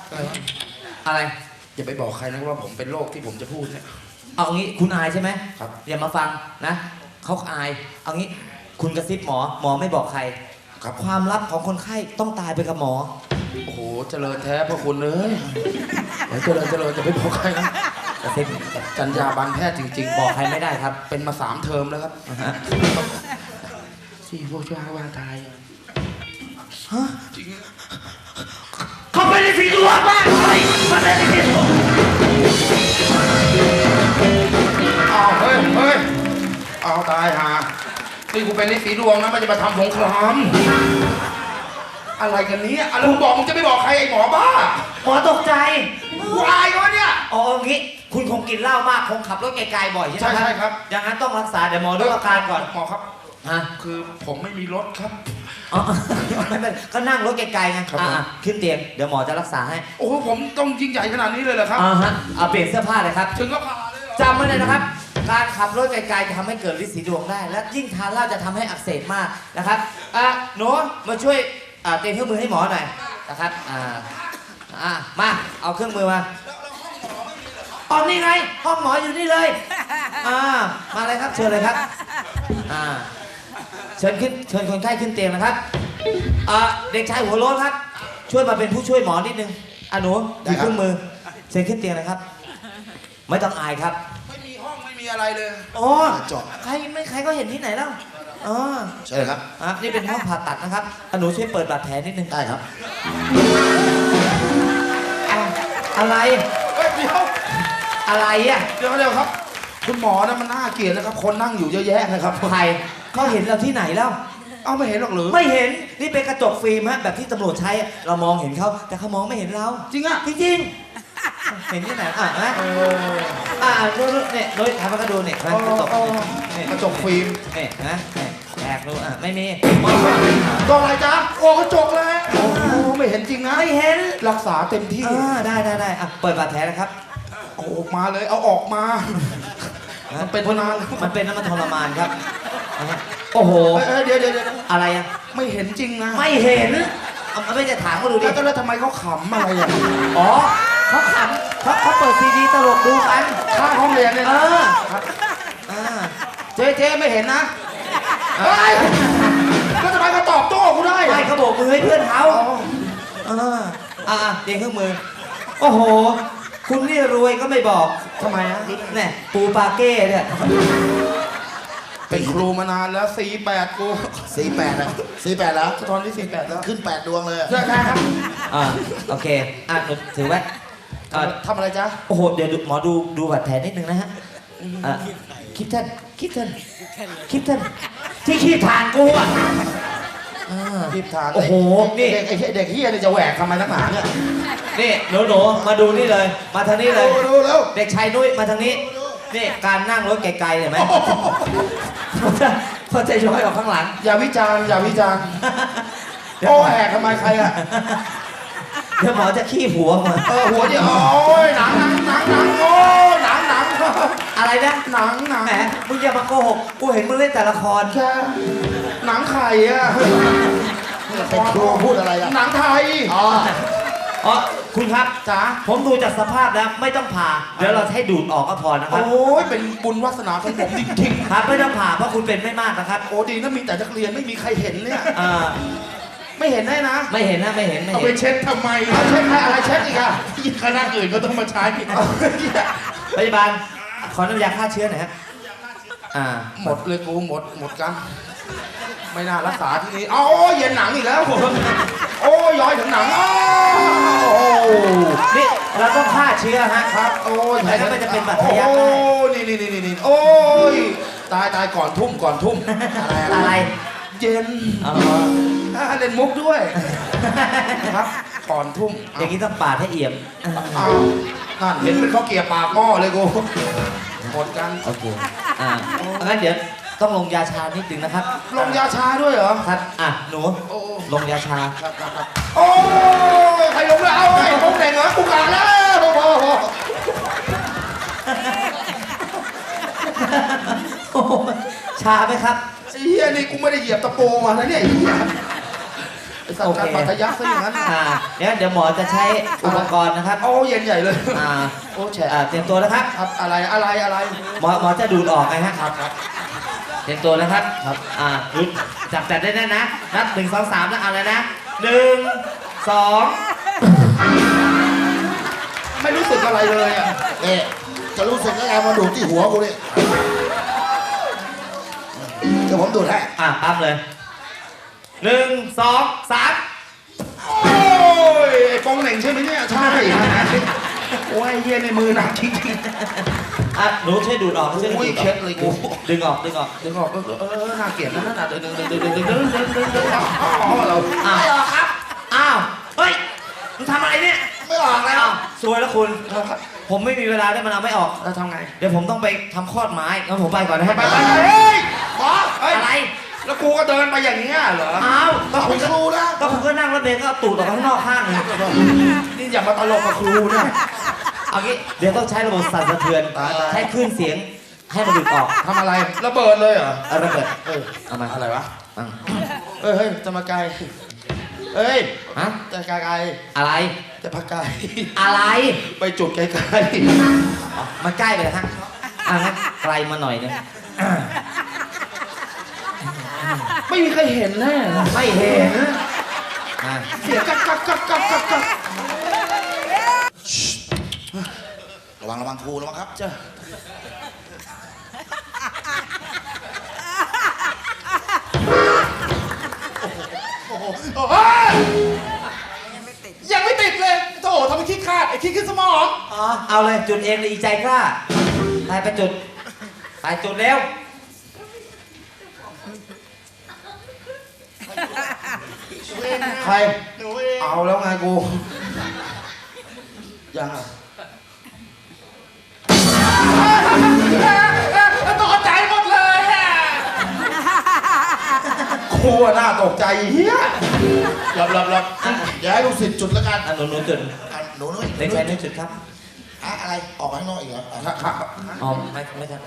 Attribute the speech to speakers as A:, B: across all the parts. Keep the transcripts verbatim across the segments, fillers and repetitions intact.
A: อะไร
B: อย่าไปบอกใครนะว่าผมเป็นโรคที่ผมจะพูดเนี่ย
A: เอางี้คุณอายใช่ไหม
B: ครับ
A: อย่ามาฟังนะเขาอายเอางี้คุณกระซิบหมอหมอไม่บอกใคร
B: ครับ
A: ความลับของคนไข้ต้องตายไปกับหมอ
B: โอ้โหเจริญแท้พระคุณเลยเดี๋ยวเจริญเจริญจะไปบอกใครนะ
A: กระซิบ
B: จัญญาบันแพทย์จริงๆ
A: บบ อ
B: อก ก
A: ใครไม่ได้ครับ
B: เป็นมาสามเทอมแล้วครับ
A: นะฮะ
B: สี่พวกช่วยให้ว่าตาย
A: ฮะ
B: จริง
A: เขาเป็นสีดวงมากเลยมันเป็นสีดวง
B: อ้าวเฮ้ยเฮ้ยเอาตายหานี่กูเป็นฤทธิ์สีดวงนะมันจะมาทำสงครามอะไรกันเนี้อะไรมึงบอกมึงจะไม่บอกใครไอ้หมอบ้า
A: หมอตกใจ
B: กูอายเขาเนี่ย
A: อ๋อเอางี้คุณคงกินเหล้ามากคงขับรถไกลๆบ่อยใช่ไหม
B: ใช่ใช่ครับ
A: อย่างนั้นต้องรักษาเดี๋ยวหมอดูอาการก่อน
B: หมอครับ
A: ฮะ
B: คือผมไม่มีรถครับ
A: อ๋อไม่เป็นก็นั่งรถไกลๆไง
B: ครับผม
A: อ่ะๆขึ้นเตียงเดี๋ยวหมอจะรักษาให้
B: โอ้โหผมต้องยิ่งใหญ่ขนาดนี้เลยเหรอครับ
A: อ่าฮะเอาเปลี่ยนเสื้อผ้าเลยครับ
B: ถึงก็ผ่าเลยเหรอ
A: จำไว้เลยนะครับ การขับรถไกลๆจะทำให้เกิดฤทธิ์สีดวงได้ และยิ่งทานเหล้าจะทำให้อักเสบมากนะครับอ่ะหนูมาช่วยอ่าเตรียมเครื่องมือให้หมอหน่อยนะครับอ่าอ่ามาเอาเครื่องมือมาอ๋อนี่ไงห้องหมออยู่นี่เลยอ่ามาเลยครับเชิญเลยครับอ่าเชิญขึ้นเชิญคนไข้ขึ้นเตียงนะครับอ่าเด็กชายหัวโล้นครับ ช่วยมาเป็นผู้ช่วยหมอนิดนึงอ่ะหนูถือเครื่องมือเชิญขึ้นเตียงนะครับ ไม่ต้องอายครับ
B: ไม่มีห้องไม่มีอะไรเลย
A: อ๋อ
B: จบ
A: ใครไม่ใครก็เห็นที่ไหนแล้วอ๋อ
B: ใช่ครับ
A: อ่ะนี่เป็นห้องผ่าตัดนะครับอ่ะหนูช่วยเปิดบาดแผลนิดนึง
B: ได้ครับ
A: อ่ะอะไร
B: เฮ้ยเดี๋ยว
A: อะไรอ่ะ
B: เดี๋ยวเดี๋ยวครับ คุณหมอนะมันน่าเกลียดนะครับ คนนั่งอยู่เยอะแยะนะครับ
A: ใครเขาเห็นเราที่ไหนแล้ว
B: เอาไม่เห็นหรอกหรือ
A: ไม่เห็นนี่เป็นกระจกฟิล์มฮะแบบที่ตำรวจใช้อะเรามองเห็นเขาแต่เขามองไม่เห็นเรา
B: จริงอ่ะ
A: จริงๆเห็นที่ไหนอ่ะนะ
B: เออ
A: อ่ะดูดูเนี่ยโดยทำให้เขาดูเนี่ยกระจกเนี่ย
B: กระจกฟิล์ม
A: เนี่ยนะเนี่ยแอบดูอ่ะไม่มี
B: กล้องอะไรจ๊ะโอ้กระจกเลยโอ้ไม่เห็นจริงนะ
A: ไม่เห็น
B: รักษาเต็มที่
A: อ่าได้ได้ได้อ่ะเปิดบาดแผลนะครับ
B: เอาออกมาเลย เอาออกมา มันเป็นนานแล้ว
A: มันเป็นน้ำมันทรมานครับนะฮะโอ้โห
B: เอ้ยเอ้ยเดี๋ยวเดี๋ยวเดี๋ยว
A: อะไรอ่ะ
B: ไม่เห็นจริงนะ
A: ไม่เห็นเอาไม่จะถามเขาดูดิ
B: แล้วแล้วทำไมเขาขำอะไรอ่ะ
A: อ๋อเขาขำเขาเขาเปิดซีดีตลกดูกัน
B: ข้างห้องเรียนเนี่ย
A: เอ
B: นะ
A: อ
B: ครับ
A: อ่า
B: เจ๊เจ๊ไม่เห็นนะเฮ้ยแล้วทำไมมาตอบโต้กูได้
A: ไม่
B: อะ
A: เขาโบกมือให้เพื่อนเขา
B: อ๋อ
A: อ่าอ่าเตรียมเครื่องมือ โอ้โห คุณนี่รวยก็ไม่บอก
B: ทำไมฮะ
A: เนี่ยปูปาเก้เนี่ย
B: เป็นครูมานานแล้วสี่แปดกู
C: สี่แปดอะสี่แปดแล้ว
B: ตอนนี้สี่แปดแล้ว
C: ขึ้นแปดดวงเลยอะ
B: ใช่ครับ
A: อ่าโอเคอ่ะหนูถือไว้อ่า
B: ทำอะไรจ๊ะ
A: โอ้โห เดี๋ยวดูหมอดูดูบาดแผลนิดนึงนะฮะอ่ะคิดท่านคิดท่านคิดท่านที่ขี้ทางกูอ่ะอ่า
B: รีบทาน
A: โอ้โหนี่
B: เด็กไอ้เด็กเฮียนี่จะแหวกทำไมนักหนาเนี่ย
A: นี่หนูหนูมาดูนี่เลย มาทางนี้เลย
B: ดูดูแล้ว
A: เด็กชายนุ้ยมาทางนี้ นี่การนั่งรถไกลๆเห็นไหมเขาจะเขาจะย้อยออกข้างหลัง
B: อย่าวิจารณ์อย่าวิจารณ์
A: เดี๋ยว
B: โอ้แหกทำไมใครอ่ะ
A: เดี๋ยวหมอจะขี้หัวมา
B: เออหัวเดียวโอ้ยหนังหนังหนังหนังโอ้ยหนังหนัง
A: อะไรนะ
B: หนังหนัง
A: แหมมึงอย่ามาโกหกกูเห็นมึงเล่นแต่ละคร
B: แค่หนังไข่อ่ะ
C: เป็นครูพูดอะไรอะ
B: หนังไทย
C: อ๋อ
A: อ๋อคุณครับ
B: จ๋า
A: ผมดูจากสภาพแล้วไม่ต้องผ่า เดี๋ยวเราให้ดูดออกก็พอนะครับ
B: โอ้ยเป็นบุญวาสนาของผมจริง
A: ครับไม่ต้องผ่าเพราะคุณเป็นไม่มากนะครับ
B: ๆโอ้ดีนะมีแต่นักเรียนไม่มีใครเห็นเนี่ย
A: อ่า
B: ไม่เห็นได้นะ
A: ไม่เห็นนะไม่เห็นไม่
B: เอา
A: เห็
B: ไป
A: น
B: เช็ดทำไมเอาเช็ดใครอะไรเช็ดอีกอะคณะอื่นก็ต้องมาใช้เอาเหี้ย
A: พยาบาลขอน้ำยาฆ่าเชื้อหน่อยฮะอ่า
B: หมดเลยกูหมดหมดกัน ไม่น่ารักษาที่นี่เอาโอ้ยเย็นหนังอีกแล้วโอ้ยย้อยถึงหนังอ้าวโอ้
A: นี่เราต้องฆ่าเชื้อฮะ
B: ครับโอ้ย
A: ไม่งั้นมันจะเป็นบาดทะยัก
B: โอ้
A: ได้
B: ยนี่นี่นี่นี่โอ้ยตายตายก่อนทุ่มก่อนทุ่ม
A: อะไรอะไร
B: เย็น
A: อ๋อ
B: อ่าเล่นมุกด้วยครับก่อนทุ่ม
A: อย่างนี้ต้องปาดให้เอี่ยม
B: อ้าวนั่นเห็นเป็นข้าวเกรี๊ยวปากหม้อเลยกูหมดกัน
A: โอเค อ่างั้นเดี๋ยวต้องลงยาชานิดนึงนะครับ
B: ลงยาชาด้วยเหรอ
A: ครับ อ่ะ หนู
B: โอ้
A: ลงยาชา
B: ครับครับครับโอ้ยใครลงแล้วเอาไอ้ผมเด่งเหรอกูกาแล้วโอ้โห
A: โอ้โหชาไหมครับ
B: ไอ้เหี้ยนี่กูไม่ได้เหยียบตะปูมาแล้วเนี่ยไอ้เหี้ยสัตว์การปัทยักซะอย่างนั้น
A: อ่าเดี๋ยวเดี๋ยวหมอจะใช้อุปกรณ์นะครับ
B: โอ้เย็นใหญ่เลย
A: อ่า
B: โอ้แฉะ
A: อ่าเตรียมตัวนะครับ
B: ครับอะไรอะไรอะไร
A: หมอหมอจะดูดออกไงฮะ
B: ครับครับ
A: เตรียมตัวนะครับครับอ่าดูดจับจัดได้แน่นะนับหนึ่งสองสามแล้วเอาเลยนะหนึ่งสอง
B: ไม่รู้สึกอะไรเลยอ่ะ
C: นี่จะรู้สึกยังไงมาดูดที่หัวกูนี่เดี๋ยวผมดูดให้
A: อ่ะปั๊บเลยหนึ่งสองสาม
B: โอ้ยไอ้ปองเหน่งใช่ไหมเนี่ยใช่โอ้ยเฮียในมือหนักจริง
A: อ่ะหนูช่วยดูดออกช่วย
B: ๆ
A: ดู
B: อุ้ย
A: ดอ
B: เคล็
A: อก
B: ดเลยกู
A: ดึงออกดึงออก
B: ดึงออกเออเออน่าเกลียดนะน่าเดินเดินเดินเดินเดินเดินเดินเดินเดินอ๋อเรา
A: อ้าวครับอ้าวเฮ้ยมึงทำอะไรเนี่ย
C: ไม่ออกแล้ว
A: อ้าวสวยแล้วคุณ ผมไม่มีเวลาได้มันเอาไม่ออก
B: เราทำไง
A: เดี๋ยวผมต้องไปทำคลอดไม้งั้นผมไปก่อนนะ
B: ไปไปไปเฮ้ยหมอเฮ้ย
A: อะไร
B: แล้วกูก็เดินไปอย่างเงี้ยเหรอ
A: อ้าวก็
C: เอา
A: คุ
C: ไป
A: ณก็
C: ครูนะ
A: ก็คุณก็นั่งรถเมล์ก็เอาตูดออกข้างนอกข้างหนึง
B: นี่อย่ามาตลกกับครูเนี่ย
A: เอางี้เดี๋ยวต้องใช้ระบบสั่นสะเทือนใช้คลื่นเสียงให้มันดูดออก
B: ทำอะไรระเบิดเลยเหรอ
A: เอาระเบิด
B: เออ
A: เอามา
B: อะไรวะ
A: อ่ะ
B: เอ้ยเฮ้ยจะมาไกลเอ้ย
A: ฮะ
B: จะไกลไกล
A: อะไร
B: จะพักไกล
A: อะไร
B: ไปจุดไกลไกล
A: อ๋อมันใกล้ไปแล้วฮะอ่ะงั้นไกลมาหน่อยหนึง
B: ไม่มีใครเห็นแน่
A: ไม่เห็นอ่ะ
B: เสียงกักกักกักกักกักกัก
C: ระวังระวังครูระวังครับ
B: จ้ะ
C: โอ้โห
B: เฮ้ยยังไม่ติดเลยโถทำไมขี้ขาดไอ้ขี้ขึ้นสมอง
A: อ๋อเอาเลยจุดเองเลยอีใจกล้าไปไปจุดไปจุดเร็ว
B: ใครเอาแล้วไงกูยังอ่ะตกใจหมดเลยครูน่าตกใจเฮีย
C: รับรับรับอย่าให้ลูกศิษย์จุดแล้วกัน
A: อ่ะหนูหนูจุด
C: อ่ะหนูนุ้ย
A: เด็กชายหนูจุดครับ
C: อะอะไรออกมาข้างนอกอีกเหรออ่ะ
B: ครับ
A: อ๋อไม่ไม่ใช่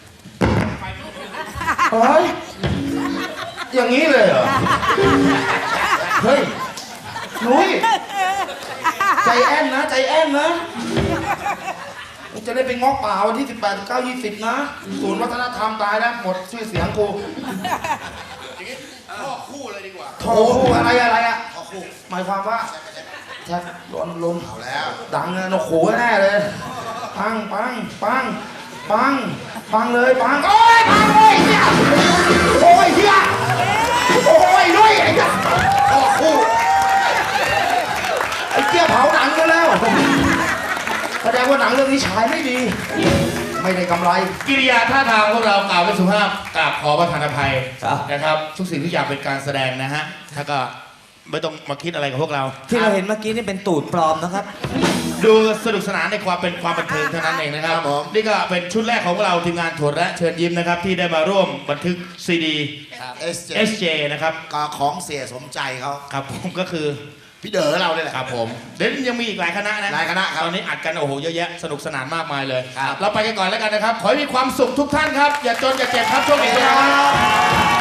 B: เฮ้ยอย่างนี้เลยเหรอเฮ้ยนุ้ยใจแอนนะใจแอนนะจะได้ไปงอกป่าวันที่สิบแปด สิบเก้า ยี่สิบนะศูนย์วัฒนธรรมตายแล้วหมดชื่อเสียงกู
C: ข้อคู่เลยดีกว่า
B: โถอะไรอะไรอะ
C: ข้อคู่
B: หมายความว่าแท็กลนลน
C: เอาแล้ว
B: ดังเลยนกขู่แน่เลยปังปังปังปังปังเลยปังโอ้ยปังโอ้ยเฮียโอ้ยเฮียโอ้ยด้วยไอ้เหี้ย
C: ข้อคู่
B: ไอ้เกี้ยเผาหนังกันแล้วแสดงว่าหนังเรื่องนี้ฉายไม่ดี ไม่ได้กำไร
D: กิริยาท่าทางพวกเรากล่าวเป็นสุภาพกราบขอประทานอภัย
A: ครับ
D: นะครับ ทุกสิ่งทุกอย่างเป็นการแสดงนะฮะถ้าก็ไม่ต้องมาคิดอะไรกับพวกเรา
A: ที่เราเห็นเมื่อกี้นี่เป็นตูดปลอมนะครับ
D: ดูสนุกสนานในความเป็นความบันเทิงเท่านั้นเองนะครับนี่ก็เป็นชุดแรกของพวกเราทีมงานโถดและเชิญยิ้มนะครับที่ได้มาร่วมบันทึกซีดี
C: เอสเจ
D: เอสเจนะครับ
C: ก็ของเสียสมใจเขา
D: ครับผมก็คือ
C: พี่เด๋อเราเนี่ยแหละ
D: ครับผมเดี๋ยวยังมีอีกหลายคณะนะ
C: หลายคณะครับ
D: ตอนนี้อัดกันโอ้โหเยอะแยะสนุกสนานมากมายเลย
C: ครับ
D: เราไปกันก่อนแล้วกันนะครับ ขอให้มีความสุขทุกท่านครับ อย่าจนอย่าเจ็บครับช่วงนี้นะครับ